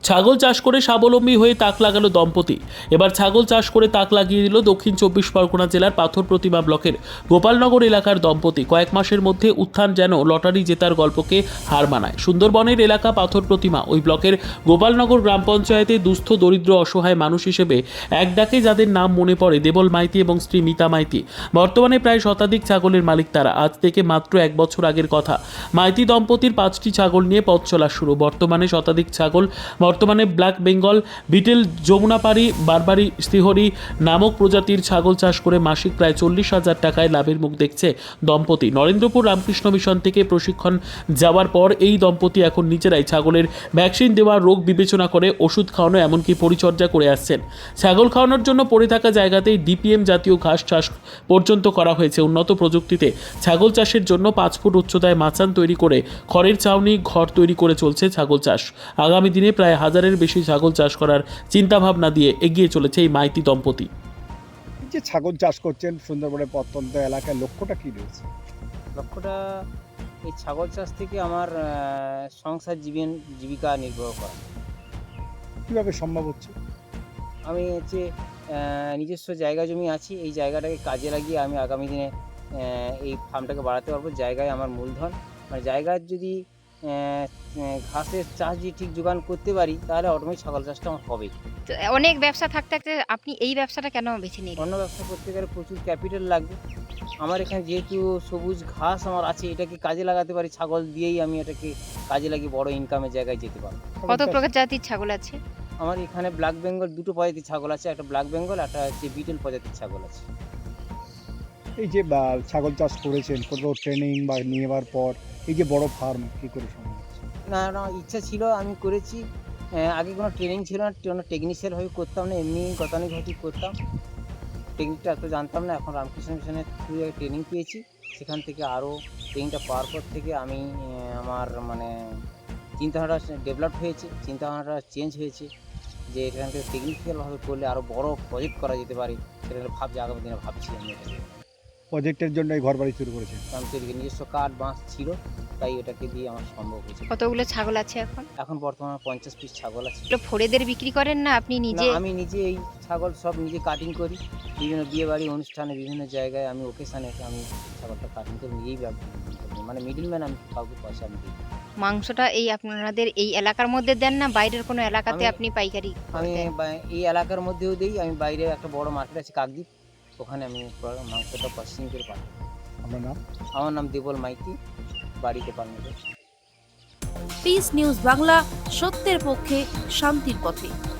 ছাগল চাষ করে স্বাবলম্বী হয়ে তাক লাগালো দম্পতি। এবার ছাগল চাষ করে তাক লাগিয়ে দিল দক্ষিণ 24 পরগনা জেলার পাথর প্রতিমা ব্লকের গোপালনগর এলাকার দম্পতি। কয়েক মাসের মধ্যে উত্থান যেন লটারি জেতার গল্পকে হার মানায়। সুন্দরবনের এলাকা পাথর প্রতিমা ওই ব্লকের গোপালনগর গ্রাম পঞ্চায়েতে দুস্থ দরিদ্র অসহায় মানুষ হিসেবে এক ডাকে যাদের নাম মনে পড়ে দেবল মাইতি এবং স্ত্রী মিতা মাইতি। বর্তমানে প্রায় শতাধিক ছাগলের মালিক তারা। আজ থেকে মাত্র 1 বছর আগের কথা। মাইতি দম্পতির 5টি ছাগল নিয়ে পথ চলা শুরু। বর্তমানে শতাধিক ছাগল বর্তমানে ব্ল্যাক বেঙ্গল, বিটেল, যমুনাপাড়ি, বারবারি, শ্রীহরি নামক প্রজাতির ছাগল চাষ করে মাসিক প্রায় 40,000 টাকায় লাভের মুখ দেখছে দম্পতি। নরেন্দ্রপুর রামকৃষ্ণ মিশন থেকে প্রশিক্ষণ যাওয়ার পর এই দম্পতি এখন নিজেরাই ছাগলের ভ্যাকসিন দেওয়া, রোগ বিবেচনা করে ওষুধ খাওয়ানো, এমনকি পরিচর্যা করে আসছেন। ছাগল খাওয়ানোর জন্য পড়ে থাকা জায়গাতেই ডিপিএম জাতীয় ঘাস চাষ পর্যন্ত করা হয়েছে। উন্নত প্রযুক্তিতে ছাগল চাষের জন্য 5 ফুট উচ্চতায় মাচান তৈরি করে খড়ের ছাউনি ঘর তৈরি করে চলছে ছাগল চাষ। আগামী দিনে প্রায় 1000-এর বেশি ছাগল চাষ করার চিন্তাভাবনা দিয়ে এগিয়ে চলেছে এই মাইতি দম্পতি। এই যে ছাগল চাষ করছেন সুন্দরবনের প্রত্যন্ত এলাকায়, লক্ষ্যটা কি রয়েছে? লক্ষ্যটা এই ছাগল চাষ থেকে আমার সংসার জীবিকা নির্বাহ করা। কিভাবে সম্ভব হচ্ছে? আমি হচ্ছে নিজস্ব জায়গা জমি আছে, এই জায়গাটাকে কাজে লাগিয়ে আমি আগামী দিনে এই ফার্মটাকে বাড়াতে পারবো। জায়গায় আমার মূলধন, মানে জায়গার যদি ঘাসের চাষ যদি ঠিক যোগান করতে পারি তাহলে অটোমেটিক ছাগল চাষটা আমার হবেই। তো অনেক ব্যবসা থাকতে থাকতে আপনি এই ব্যবসাটা কেন বেছে নিলেন? অন্য ব্যবসা করতে গেলে প্রচুর ক্যাপিটাল লাগবে। আমার এখানে যেহেতু সবুজ ঘাস আমার আছে, এটাকে কাজে লাগাতে পারি। ছাগল দিয়েই আমি এটাকে কাজে লাগিয়ে বড় ইনকামের জায়গায় যেতে পারবো। কত প্রজাতির ছাগল আছে? আমার এখানে ব্ল্যাক বেঙ্গল 2টো প্রজাতির ছাগল আছে, একটা ব্ল্যাক বেঙ্গল, একটা হচ্ছে বিটেল প্রজাতির ছাগল আছে। এই যে ছাগল চাষ করেছেন, কোনো ট্রেনিং বা নেওয়ার পর এই যে বড় ফার্ম কি করে সম্ভব হচ্ছে? না ইচ্ছা ছিল, আমি করেছি। আগে কোনো ট্রেনিং ছিল না, কোনো টেকনিশিয়ান হয়ে করতাম না, এমনি গতানুগতিক করতাম। টেকনিকটা এত জানতাম না। এখন রামকৃষ্ণ মিশনের থ্রু ট্রেনিং পেয়েছি। সেখান থেকে আরও ট্রেনিংটা পাওয়ার পর থেকে আমি আমার মানে চিন্তাধারাটা ডেভেলপ হয়েছে, চিন্তাভাবনাটা চেঞ্জ হয়েছে যে এখান থেকে টেকনিক্যালভাবে করলে আরও বড় প্রজেক্ট করা যেতে পারে। সেটা ভাবছি, আগামী দিনে ভাবছি আমি এটাকে। প্রজেক্টের জন্য এই ঘর বাড়ি শুরু করেছেন? কারণ তৈরি নিজস্ব কাঠ বাঁশ ছিল, তাই এটাকে দিয়ে আমার সম্ভব হয়েছে। কতগুলো ছাগল আছে এখন? এখন বর্তমানে 50 পিস ছাগল আছে। এগুলো ফড়েদের বিক্রি করেন না আপনি নিজে? না, আমি নিজে এই ছাগল সব নিজে কাটিং করি। বিভিন্ন বিয়েবাড়ি অনুষ্ঠানে, বিভিন্ন জায়গায় আমি ওকেশানে আমি ছাগলটা কাটিং করে নিজেই মানে মিডলম্যান, আমি কাউকে পয়সা আমি দিই। মাংসটা এই আপনাদের এই এলাকার মধ্যে দেন না বাইরের কোনো এলাকাতে আপনি পাইকারি আমি দেন? এই এলাকার মধ্যেও দিই। আমি বাইরে একটা বড় মার্কেট আছে কাকদ্বীপ, ওখানে আমি মাংসটা প্রসেসিং করে পাঠাই। আপনার নাম? আমার নাম দেবল মাইতি, বাড়ি গোপালনগর। পিস নিউজ বাংলা, সত্যের পক্ষে শান্তির পথে।